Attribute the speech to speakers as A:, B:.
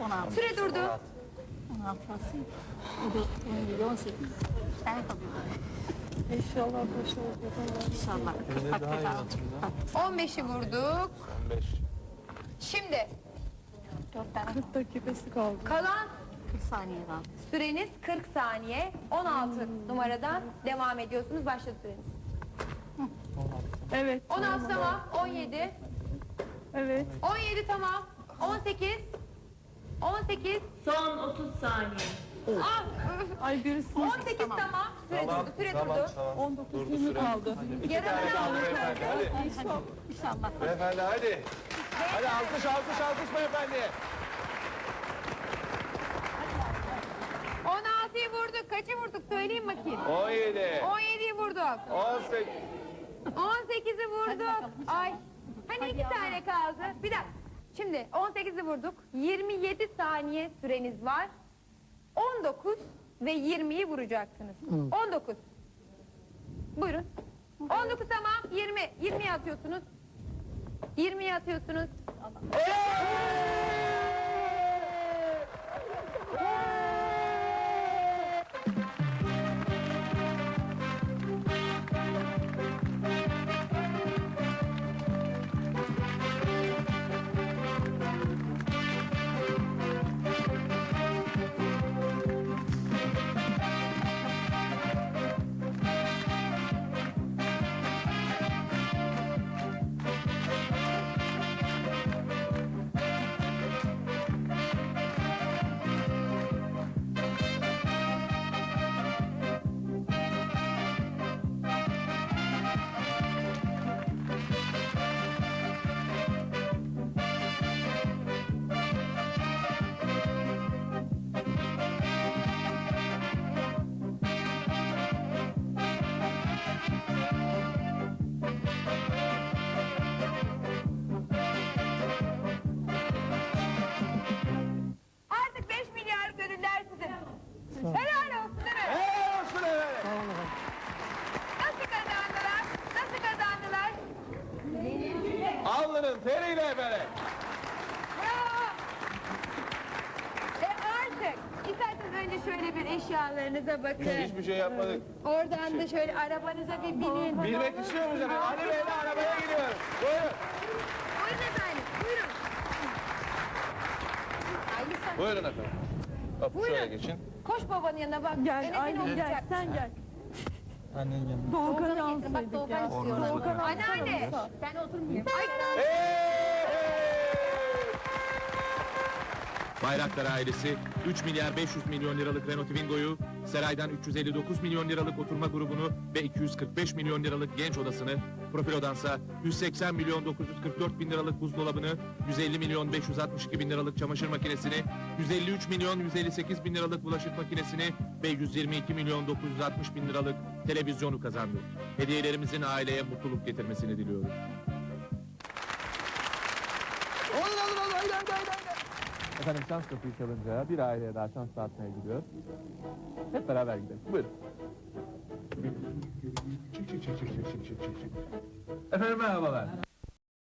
A: 16.
B: Süre durdu.
A: 16 nasıl? 17, 18. Ben yapabilirim.
C: İnşallah başarılı.
A: İnşallah. 40
D: Yine daha iyi
A: dakika
D: hatırlıyorum.
B: 15'i vurduk.
D: 15.
B: Şimdi
A: 4 tane
C: 40 dakikası kaldı.
B: kalan
A: 40 saniye kaldı.
B: süreniz 40 saniye. 16 numaradan devam ediyorsunuz. Başladı süreniz.
C: Evet.
B: 16 tamam. 17.
C: Evet.
B: 17 tamam. 18. 18.
E: Son 30 saniye.
B: Ah,
C: Ay birisi
B: 18 tamam. Süre durdu. Süre durdu.
C: 19 20 kaldı.
B: Yarım kaldı.
D: Beyefendi hadi.
A: İnşallah.
D: Beyefendi hadi. Hadi alkış alkış alkış beyefendi.
B: 16'yı vurduk. Kaçı vurduk? Söyleyeyim bakayım.
D: 17.
B: 17'yi vurduk.
D: 18.
B: 18'i vurduk. Ay. Hani 2 tane kaldı. Bir dakika. Şimdi 18'i vurduk. 27 saniye süreniz var. 19 ve 20'yi vuracaksınız. 19. Buyurun. 19 tamam. 20. 20'yi atıyorsunuz. 20'yi atıyorsunuz. Artık 5 milyarlık ödüller sizin. Helal olsun değil mi?
D: Helal olsun efendim.
B: Nasıl kazandılar? Nasıl kazandılar?
D: Alnının teriyle efendim.
B: Bravo. Artık isterseniz önce şöyle bir eşyalarınıza bakın.
D: Hiçbir şey yapmadık.
B: Oradan da şöyle arabanıza bir binin.
D: Bilmek istiyor musunuz efendim? Ali Bey'le arabaya gidiyoruz. Buyurun.
B: Buyurun efendim, buyurun. Ay lütfen.
D: Buyurun efendim. Hop
B: Buyurun.
D: şöyle geçin.
B: Koş babanın yanına bak.
C: Gel
B: Enes'in
C: aynen gel
B: olacak.
C: sen gel.
D: Annen gelmiş.
C: Doğukan'ı
B: Doğukan'ı getirin, bak
C: alsaydık
B: Doğukan
C: ya.
B: istiyor.
C: Doğukan'ı
B: Anneanne.
C: alsana.
B: Ben oturmayayım.
F: Bayraktar ailesi 3 milyar 500 milyon liralık Renault Twingo'yu, Seray'dan 359 milyon liralık oturma grubunu ve 245 milyon liralık genç odasını, Profilo'dansa 180 milyon 944 bin liralık buzdolabını, 150 milyon 562 bin liralık çamaşır makinesini, 153 milyon 158 bin liralık bulaşık makinesini ve 122 milyon 960 bin liralık televizyonu kazandı. Hediyelerimizin aileye mutluluk getirmesini diliyoruz.
D: Efendim şans kapıyı çalınca bir aileye daha şans dağıtmaya gidiyor. Hep beraber gidelim. Buyurun. Efendim merhabalar.